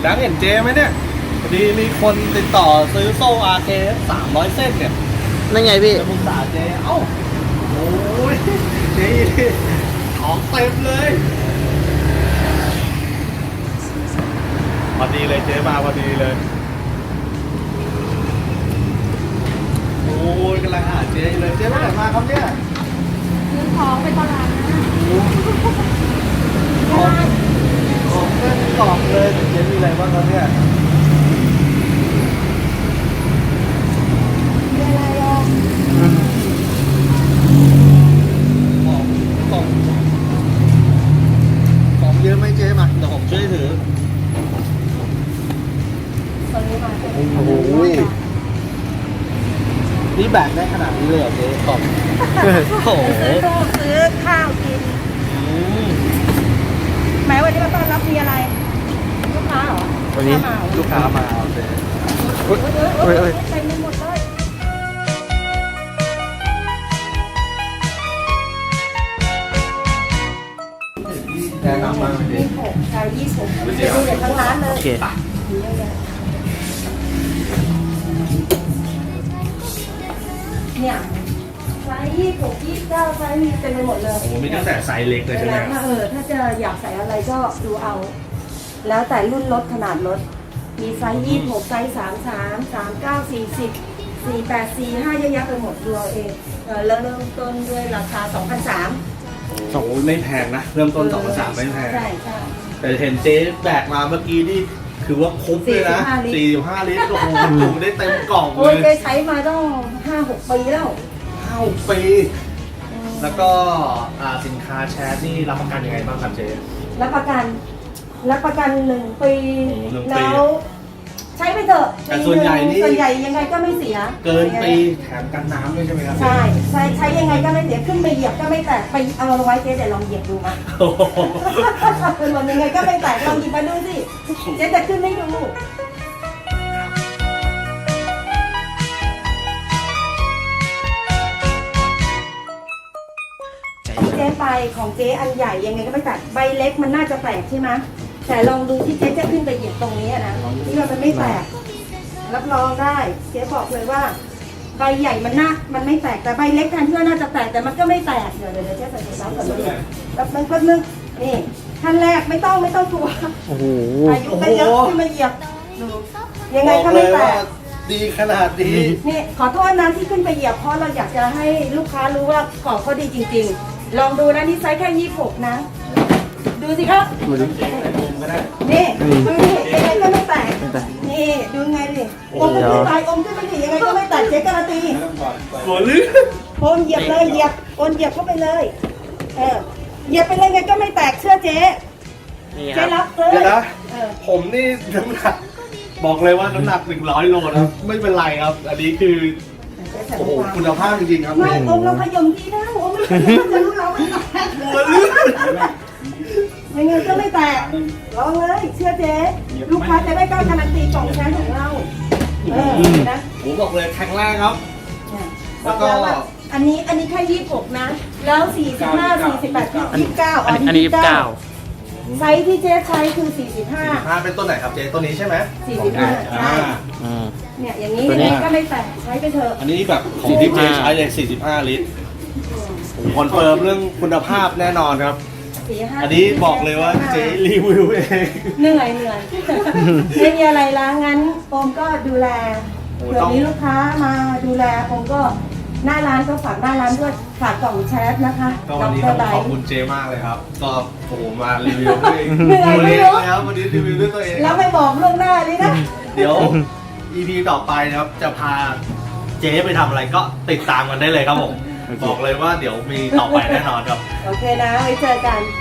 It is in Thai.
ดังเห็นเจไหมเนี่ยพอดีมีคนติดต่อซื้อโซ่ RK 300 เส้นเนี่ยนั่นไงพี่จะปรึกษาเจเอ้าโอ้ยเจของเต็มเลยพอดีเลยเจมาพอดีเลยโอ้ยกำลังหาเจอยู่เลยเจไปไหนมาครับเนี่ยซื้อของไปตลาดนะของเต็มกล่องเลยเจมีอะไรบ้างครับเนี่ยมีอะไรอ่ะของเยอะไหมเจ๊มาเดี๋ยวผมช่วยถือตอนนี้มาโอ้โหนี่แบกได้ขนาดนี้เลยเหรอเจ๊กล่องโอ้โหซื้อตู้ซื้อข้าวกินอืมแม้วันนี้มาต้อนรับมีอะไร ลูกค้าเหรอวันนี้ลูกค้ามาเอาเจ๊เอ้ยเต็มไปหมดเลยแนะนำมาเจ๊ 26 26ดูเด็ดทั้งร้านเลยโอเคมีเยอะแยะเนี่ยไซส์26 29ไซส์มีเต็มไปหมดเลยโอ้โหมีตั้งแต่ไซส์เล็กเลยใช่ไหมครับถ้าจะอยากใส่อะไรก็ดูเอา แล้วแต่รุ่นรถขนาดรถ มีไซส์26ไซส์33 39 40 48 45เยอะแยะไปหมดดูเอาเองแล้วเริ่มต้นด้วยราคา 2,300 โอ้โหไม่แพงนะ เริ่มต้น2,300ไม่แพงใช่ใช่แต่เห็นเจ๊แบกมาเมื่อกี้นี่คือว่าครบเลยนะ 45 ลิตรโอ้โหจุได้เต็มกล่องเลโอ้ยยเคยใช้มาต้อง 5-6 ปีแล้ว 9 ปี แล้วก็สินค้าแชร์นี่รับประกันยังไงบ้างครับเจ๊รับประกัน1 ปีโอ้1 ปีแล้วใช้ไปเถอะแต่ส่วนใหญ่นี่ส่วนใหญ่ยังไงก็ไม่เสียเกินปีแถมกันน้ำด้วยใช่ไหมครับใช่ใช้ยังไงก็ไม่เสียขึ้นไปเหยียบก็ไม่แตกไปเอาไว้เจ๊เดี๋ยวลองเหยียบดูมาโอ้โหเป็นวันยังไงก็ไม่แตกลองหยิบมาดูสิเจ๊จะขึ้นให้ดูเจ๊ไปของเจ๊อันใหญ่ยังไงก็ไม่แตกใบเล็กมันน่าจะแตกใช่ไหมแต่ลองดูที่เจ๊จะขึ้นไปเหยียบตรงนี้นะที่ว่ามันไม่แตกรับรองได้เจ๊บอกเลยว่าใบใหญ่มันไม่แตกแต่ใบเล็กแทนที่ว่าน่าจะแตกแต่มันก็ไม่แตกเดี๋ยวเจ๊ใส่ถุงน้ำก่อนเลยแป๊บนึงนี่ขั้นแรกไม่ต้องกลัวโอ้โหอายุก็เยอะขึ้นมาเหยียบดูยังไงก็ไม่แตกดีขนาดนี้นี่ขอโทษนะที่ขึ้นไปเหยียบเพราะเราอยากจะให้ลูกค้ารู้ว่าของเขาดีจริงๆ ลองดูนะนี่ไซส์แค่26นะดูสิครับนี่ดูดิยังไงก็ไม่แตกนี่ดูไงดิอมก็ไม่ตายอมก็ไม่ดียังไงก็ไม่แตกเจ๊การันตีหัวลื่นโอนเหยียบเลยเหยียบโอนเหยียบเข้าไปเลยเหยียบไปเลยไงก็ไม่แตกเชื่อเจ๊นี่คเจ๊รับรับเลยเดี๋ยวนะเออผมนี่น้ำหนักบอกเลยว่าน้ำหนัก100 โลนะไม่เป็นไรครับ อันนี้คือ โอ้โหคุณภาพจริงๆครับไม่อมเราขยมดีนะอมไม่ขยมจะรู้เราไม่แตกหัวลื่นยังไงก็ไม่แตกลองเลยเชื่อเจ๊ลูกค้าจะได้กล้าการันตีของแชมป์ของเรานะผมบอกเลยแข็งแรงครับบอกแล้วว่าอันนี้แค่26นะแล้ว45 48 29 อันนี้29 ไซส์ที่เจ๊ใช้คือ45 เป็นต้นไหนครับเจ๊ต้นนี้ใช่ไหม 45ใช่อืมเนี่ยอย่างนี้ตัวยังนี้ไงก็ไม่แตกใช้ไปเถอะอันนี้แบบของที่เจ๊ใช้เลย45 ลิตรผมคอนเฟิร์มเรื่องคุณภาพแน่นอนครับ 45 อันนี้บอกเลยว่าเจ๊รีวิวเองเหนื่อยไม่มีอะไรละงั้นโอมก็ดูแลเผื่อมีลูกค้ามาดูแลโอมก็หน้าร้านก็ฝากหน้าร้านด้วยฝากกล่องแชทนะคะก็วันนี้ต้องขอบคุณเจมากเลยครับ ก็โอ้โหมารีวิวด้วยเหนื่อยไม่รู้แล้ววันนี้รีวิวด้วยตัวเองแล้วไม่บอกล่วงหน้าเลยนะเดี๋ยว EP ต่อไปนะครับ จะพาเจ๊ไปทำอะไรก็ติดตามกันได้เลยครับผม บอกเลยว่าเดี๋ยวมีต่อไปแน่นอนครับโอเคนะไว้เจอกัน